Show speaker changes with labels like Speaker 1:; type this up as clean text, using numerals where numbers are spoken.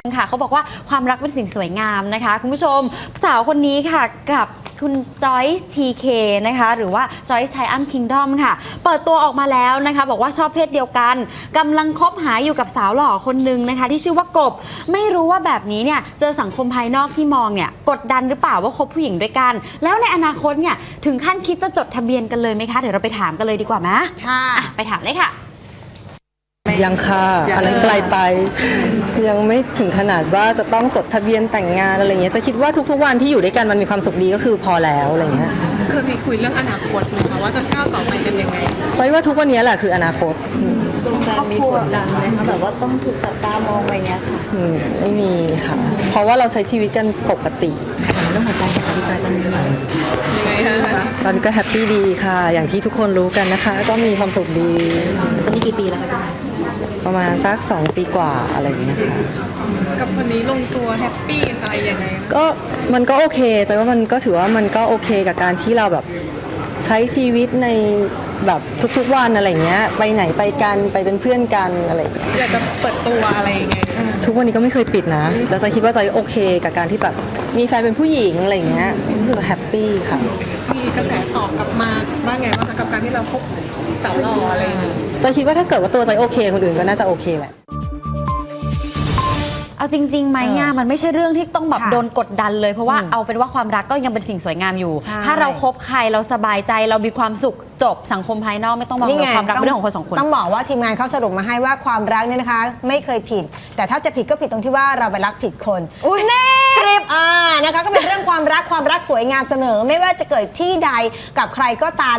Speaker 1: ค่ะเขาบอกว่าความรักเป็นสิ่งสวยงามนะคะคุณผู้ชมสาวคนนี้ค่ะกับคุณจอยส์ทีเคนะคะหรือว่าจอยส์ไทอัมคิงดอมค่ะเปิดตัวออกมาแล้วนะคะบอกว่าชอบเพศเดียวกันกำลังคบหาอยู่กับสาวหล่อคนนึงนะคะที่ชื่อว่ากบไม่รู้ว่าแบบนี้เนี่ยเจอสังคมภายนอกที่มองเนี่ยกดดันหรือเปล่าว่าคบผู้หญิงด้วยกันแล้วในอนาคตเนี่ยถึงขั้นคิดจะจดทะเบียนกันเลยไหมคะเดี๋ยวเราไปถามกันเลยดีกว่าไหมค่ะไปถามเลยค่ะ
Speaker 2: ยังค่ะอันนั้นไกลไปยังไม่ถึงขนาดว่าจะต้องจดทะเบียนแต่งงานอะไรเงี้ยจะคิดว่าทุกๆวันที่อยู่ด้วยกันมันมีความสุขดีก็คือพอแล้วอะไรเงี้ย
Speaker 3: เคยมีคุยเรื่องอนาคตไหมคะว่าจะก้าวต่อไปกันยังไง
Speaker 2: จอยว่าทุกวันนี้แหละคืออนาคต
Speaker 4: มีกดดันไหมคะแบบว่าต้องถูกจับตามองอะไรเงี้ยค่ะ
Speaker 2: ไม่มีค่ะเพราะว่าเราใช้ชีวิตกันปกติ
Speaker 4: เรื่องหัวใจกับดีใจตอนนี้
Speaker 3: ยังไงคะ
Speaker 2: ตอนนี้ก็แฮปปี้ดีค่ะอย่างที่ทุกคนรู้กันนะคะก็มีความสุขดี
Speaker 4: ตอนนี้กี่ปีแล้วคะ
Speaker 2: ประมาณสัก2 ปีกว่าอะไรอย่างเงี้ยค่ะ
Speaker 3: กับคนนี้ลงตัวแฮปปี้อะไรยังไง
Speaker 2: ก็มันก็โอเคใจว่ามันก็ถือว่ามันก็โอเคกับการที่เราแบบใช้ชีวิตในแบบทุกๆวันอะไรเงี้ยไปไหนไปกันไปเป็นเพื่อนกันอะไรอย่างเงี้ย
Speaker 3: อยากจะเปิดตัวอะไรยังไง
Speaker 2: ทุกวันนี้ก็ไม่เคยปิดนะแล้วใจคิดว่าใจโอเคกับการที่แบบมีแฟนเป็นผู้หญิงอะไรเงี้ยรู้สึกแฮปปี้ค่ะ
Speaker 3: มีกระแสตอบกลับมาบ้างไงบ้างคะกับการที่เราคบสาวหล่ออะไรอย่างเงี้ย
Speaker 2: ใจคิดว่าถ้าเกิดว่าตัวใจโอเคคนอื่นก็น่าจะโอเคแหละ
Speaker 1: เอาจริงๆไหมมันไม่ใช่เรื่องที่ต้องแบบโดนกดดันเลยเพราะว่าเอาเป็นว่าความรักก็ยังเป็นสิ่งสวยงามอยู่ถ้าเราคบใครเราสบายใจเรามีความสุขจบสังคมภายนอกไม่ต้องมองเรื่องความรักเป็นเรื่องของคนสองคน
Speaker 5: ต้องบอกว่าทีมงานเขาสรุปมาให้ว่าความรักเนี่ยนะคะไม่เคยผิดแต่ถ้าจะผิดก็ผิดตรงที่ว่าเราไปรักผิดคน
Speaker 1: อุ้ยแน่
Speaker 5: กริบนะคะก็เป็นเรื่องความรักสวยงามเสมอไม่ว่าจะเกิดที่ใดกับใครก็ตาม